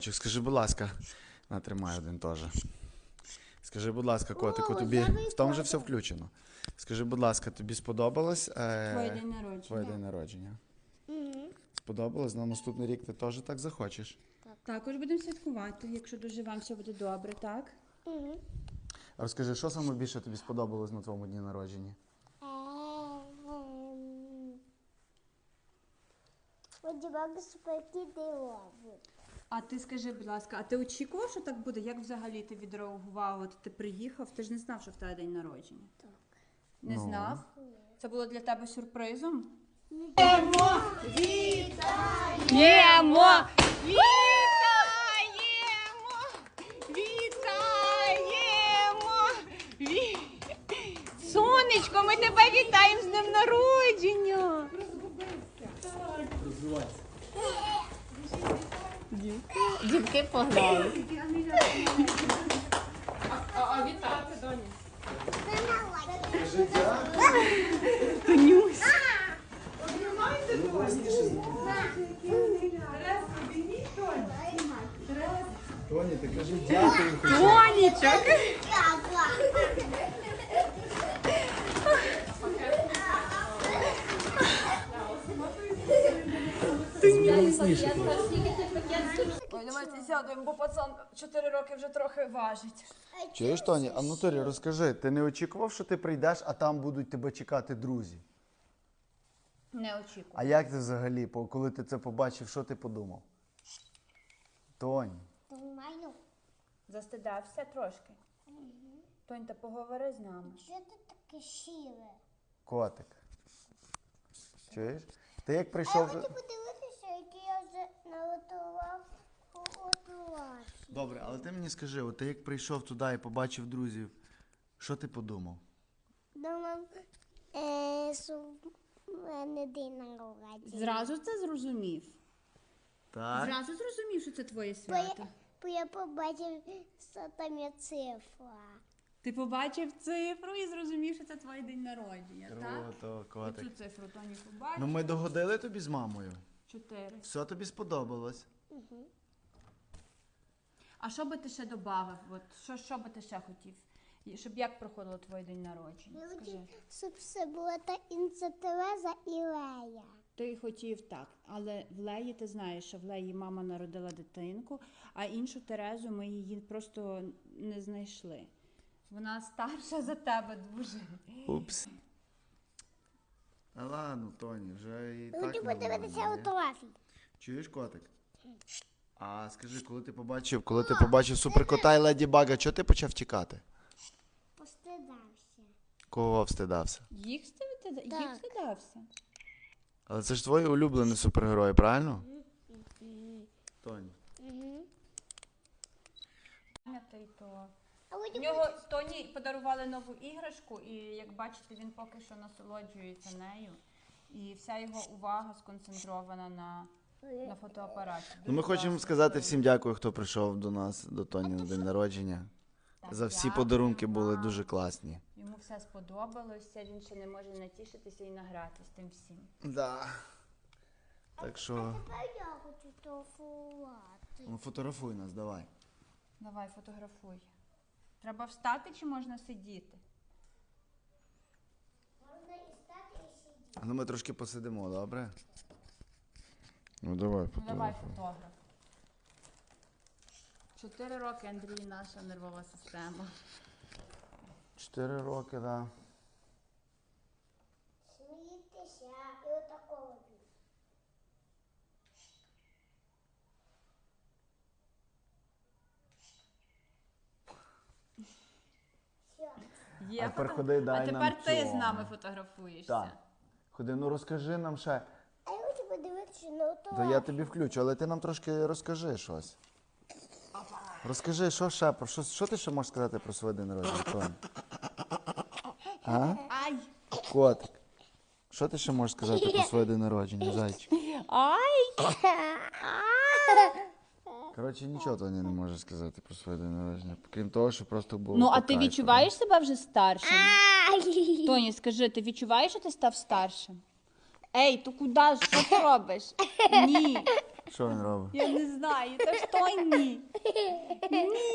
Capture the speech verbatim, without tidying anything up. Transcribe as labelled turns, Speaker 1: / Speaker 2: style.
Speaker 1: Скажи, будь ласка, натримай один теж. Скажи, будь ласка, котику,
Speaker 2: О,
Speaker 1: тобі
Speaker 2: я
Speaker 1: в тому же
Speaker 2: виходжу.
Speaker 1: все включено. Скажи, будь ласка, тобі сподобалось е...
Speaker 3: Твоє день народження.
Speaker 1: твоє день народження?
Speaker 2: Мгм.
Speaker 1: Сподобалось? На наступний рік ти теж так захочеш?
Speaker 3: Також будемо святкувати, якщо доживемо, все буде добре, так?
Speaker 2: Мгм.
Speaker 1: А розкажи, що саме більше тобі сподобалось на твоєму дні народження?
Speaker 2: Ем, Сподіваюся, спокійно.
Speaker 3: А ти скажи, будь ласка, а ти очікував, що так буде? Як взагалі ти відреагував? От ти приїхав, ти ж не знав, що в тебе день народження.
Speaker 2: Так.
Speaker 3: Не
Speaker 1: Ну.
Speaker 3: знав? Це було для тебе сюрпризом?
Speaker 4: Вітаємо! Вітаємо! Вітаємо! Ві... Сонечко, ми тебе вітаємо з днем народження! Дівки погнали. А вітати, доні? Тонюсь.
Speaker 1: Тоні, ти кажи дякую.
Speaker 4: Тонічок.
Speaker 3: Ой, давайте сядемо, бо пацан чотири роки вже трохи важить.
Speaker 1: Чуєш, Тоні? А ну Торі, розкажи, ти не очікував, що ти прийдеш, а там будуть тебе чекати друзі?
Speaker 3: Не очікую.
Speaker 1: А як ти взагалі, по- коли ти це побачив, що ти подумав? Тонь,
Speaker 2: Нормально.
Speaker 3: Застидався трошки? Тонь, та поговори з нами.
Speaker 2: Що ти таке щире?
Speaker 1: котик. Чуєш? Ти як
Speaker 2: А я
Speaker 1: прийшов...
Speaker 2: хочу подивитися, який я вже наготував готувати.
Speaker 1: Добре, але ти мені скажи, от ти як прийшов туди і побачив друзів, що ти подумав?
Speaker 2: Думав, е, що в мене день народження.
Speaker 3: Зразу це зрозумів?
Speaker 1: Так?
Speaker 3: Зразу зрозумів, що це твоє
Speaker 2: Бо я,
Speaker 3: свято?
Speaker 2: бо я побачив, що там є цифра.
Speaker 3: Ти побачив цифру і зрозумів, що це твій день народження, так?
Speaker 1: Круто, котик.
Speaker 3: Оцю цифру Тоні побачив.
Speaker 1: Ну ми догодили тобі з мамою.
Speaker 3: Чотири.
Speaker 1: Все тобі сподобалось.
Speaker 3: А що би ти ще додав? От, що, що би ти ще хотів? І Щоб як проходило твій день народження?
Speaker 2: Я
Speaker 3: Скажи.
Speaker 2: хотів, щоб це була та інця Тереза і Лея.
Speaker 3: Ти хотів так, але в Леї ти знаєш, що в Леї мама народила дитинку, а іншу Терезу ми її просто не знайшли. Вона старша за тебе дуже.
Speaker 1: Упс. А ладно, Тоні, вже і
Speaker 2: Я
Speaker 1: так
Speaker 2: хочу подивитися
Speaker 1: нормально, ні?
Speaker 2: фотографії.
Speaker 1: Чуєш, котик? А скажи, коли ти побачив, коли ти побачив суперкота і Леді Бага, чого ти почав тікати?
Speaker 2: Постидався.
Speaker 1: Кого встидався?
Speaker 3: Їх стидався?
Speaker 2: Так.
Speaker 3: Їх стидався?
Speaker 1: Але це ж твої улюблені супергерої, правильно? Тоні.
Speaker 2: Угу.
Speaker 3: Пам'ятай, то
Speaker 2: А
Speaker 3: в
Speaker 2: потім
Speaker 3: нього Тоні подарували нову іграшку, і як бачите, він поки що насолоджується нею. І вся його увага сконцентрована на, на фотоапараті.
Speaker 1: Ну, ми
Speaker 3: Дуже
Speaker 1: хочемо
Speaker 3: класно
Speaker 1: сказати
Speaker 3: зроблено.
Speaker 1: всім дякую, хто прийшов до нас, до Тоні на день народження.
Speaker 3: Так,
Speaker 1: За всі
Speaker 3: дякую
Speaker 1: подарунки були
Speaker 3: вам.
Speaker 1: дуже класні.
Speaker 3: Йому все сподобалося, він ще не може натішитися і награтися тим всім.
Speaker 1: Да. Так що,
Speaker 2: тепер я хочу фотографувати.
Speaker 1: ну, фотографуй нас, давай.
Speaker 3: Давай, фотографуй. Треба встати чи можна сидіти?
Speaker 2: Можна і стати, і сидіти.
Speaker 1: Ну ми трошки посидимо, добре? Ну давай,
Speaker 3: Ну, давай
Speaker 1: фотографуй.
Speaker 3: фотограф. Чотири роки, Андрій, наша нервова система.
Speaker 1: Чотири роки, так. Да.
Speaker 2: Смійтеся і отакого робіть. Все.
Speaker 3: Є
Speaker 1: А тепер
Speaker 3: фото-
Speaker 1: ходи, дай
Speaker 3: А тепер
Speaker 1: нам
Speaker 3: ти
Speaker 1: цього.
Speaker 3: з нами фотографуєшся.
Speaker 1: Так. Ходи, ну розкажи нам ще.
Speaker 2: А я хочу подивитися на
Speaker 1: То
Speaker 2: отого.
Speaker 1: я тобі включу, але ти нам трошки розкажи щось. Розкажи, що ще, про що, що ти ще можеш сказати про своє день народження, Тоні? А?
Speaker 3: Ай!
Speaker 1: Котик. Що ти ще можеш сказати про своє день народження, зайчик?
Speaker 4: Ай!
Speaker 1: Коротше, нічого Тоні не може сказати про своє день народження. Крім того, що просто було.
Speaker 4: Ну, а
Speaker 1: по
Speaker 4: ти
Speaker 1: кайфу,
Speaker 4: відчуваєш себе вже старшим?
Speaker 2: Ай!
Speaker 4: Тоні, скажи, ти відчуваєш, що ти став старшим? Ей, то куди ж? Що ти робиш? Ні.
Speaker 1: Що він робить?
Speaker 3: Я не знаю, це ж той ні. Ні.